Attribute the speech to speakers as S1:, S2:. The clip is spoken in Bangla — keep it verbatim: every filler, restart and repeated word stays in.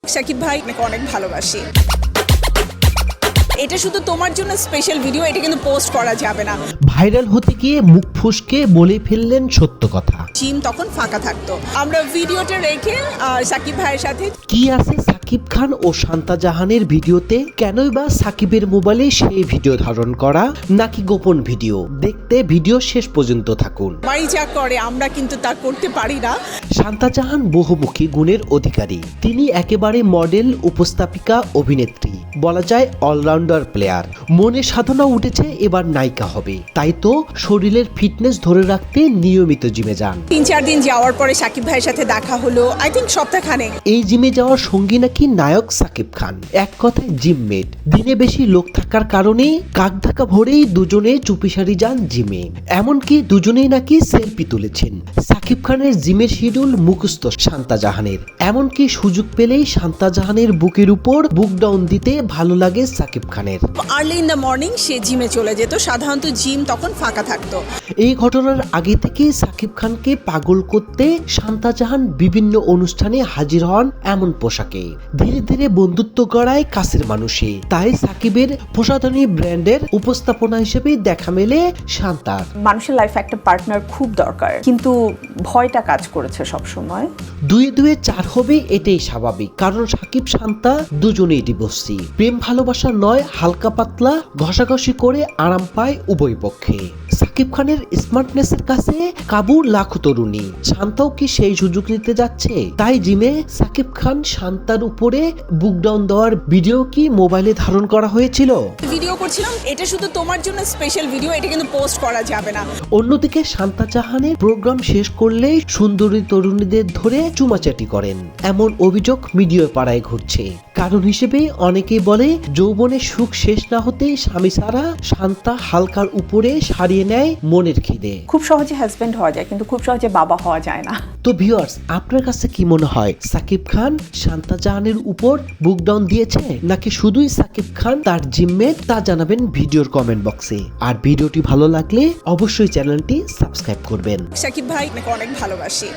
S1: শাকিব ভাই আপনাকে অনেক ভালোবাসি। এটা শুধু তোমার জন্য স্পেশাল ভিডিও, এটা কিন্তু পোস্ট করা যাবে না।
S2: ভাইরাল হতে গিয়ে মুখ ফসকে বলে ফেললেন সত্য কথা।
S1: জিম তখন ফাঁকা থাকতো, আমরা ভিডিওটা রেখে আহ, শাকিব ভাইয়ের সাথে।
S2: কি আছে সাকিব খান ও শান্তা জাহানের ভিডিওতে? কেনই বা সাকিবের মোবাইলে সেই ভিডিও ধারণ করা, নাকি গোপন ভিডিও? দেখতে ভিডিও শেষ পর্যন্ত থাকুন।
S1: মাই যা করে আমরা কিন্তু তা করতে পারি না।
S2: শান্তা জাহান বহুমুখী গুণের অধিকারী। তিনি একেবারে মডেল, উপস্থাপিকা, অভিনেত্রী, বলা যায় অলরাউন্ডার প্লেয়ার। মনে সাধনা উঠেছে এবার নায়িকা হবে, তাই তো শরীরের ফিটনেস ধরে রাখতে নিয়মিত জিমে যান।
S1: তিন চার দিন যাওয়ার পরে শাকিব ভাইয়ের সাথে দেখা হলো, আই থিঙ্ক সপ্তাহখানেক।
S2: এই জিমে যাওয়ার সঙ্গী নাকি নায়ক সাকিব খান, এক কথায় জিমমেট। দিনে বেশি লোক থাকার কারণে কাক ঢাকা ভরেই দুজনে চুপিসারি যান জিমে। এমনকি দুজনেই নাকি সেলফি তুলেছেন। সাকিব খানের জিমের শিডিউল মুখস্থ শান্তা জাহানের। এমনকি সুযোগ পেলেই শান্তা জাহানের বুকের উপর বুক ডাউন দিতে ভালো লাগে সাকিব খানের।
S1: আর্লি ইন দ্য মর্নিং সে জিমে চলে যেত, সাধারণত জিম তখন ফাঁকা থাকতো।
S2: এই ঘটনার আগে থেকে সাকিব খানকে পাগল করতে শান্তা জাহান বিভিন্ন অনুষ্ঠানে হাজির হন এমন পোশাকে। ধীরে ধীরে বন্ধুত্ব গড়ায় কাছের মানুষে। তাই সাকিবের প্রসাধনী ব্র্যান্ডের উপস্থাপনা হিসেবে দেখা মেলে শান্তার।
S3: মানুষের লাইফে একটা পার্টনার খুব দরকার, কিন্তু ভয়টা কাজ করেছে সব সময়।
S2: দুয়ে দুয়ে চার হবে এটাই স্বাভাবিক, কারণ সাকিব শান্তা দুজনেই ডিভোর্সি। প্রেম ভালোবাসা নয়, হালকা পাতলা ঘষাঘষি করে আরাম পায় উভয় পক্ষে। সাকিব খানের স্মার্টনেসের কাছে কাবু লাখো তরুণী। শান্তাও কি সেই সুযোগ নিতে যাচ্ছে? তাই জিমে সাকিব খান শান্তার উপরে বুক ডাউন দেওয়ার ভিডিও কি মোবাইলে ধারণ করা হয়েছিল?
S1: ভিডিও করছিলাম, এটা শুধু তোমার জন্য স্পেশাল ভিডিও, এটা কিন্তু পোস্ট করা যাবে না।
S2: অন্যদিকে শান্তা জাহানের প্রোগ্রাম শেষ করলেই সুন্দরী তরুণীদের ধরে চুমাচাটি করেন, এমন অভিযোগ মিডিয়া পাড়ায় ঘুরছে। কারণ হিসেবে অনেকেই বলে, যৌবনের সুখ শেষ না হতেই স্বামী সারা শান্তা হালকার উপরে সারিয়ে নেয় মনের খিদে।
S3: খুব সহজে হাজবেন্ড হওয়া যায়, কিন্তু খুব সহজে বাবা হওয়া যায় না।
S2: তো ভিউয়ার্স, আপনার কাছে কি মনে হয়, সাকিব খান শান্তা জাহানের উপর বুক ডাউন দিয়েছে, নাকি শুধুই সাকিব খান তার জিমমেট? তা জানাবেন ভিডিওর কমেন্ট বক্সে। আর ভিডিওটি ভালো লাগলে অবশ্যই চ্যানেলটি সাবস্ক্রাইব করবেন।
S1: শাকিব ভাই আপনাকে অনেক ভালোবাসি।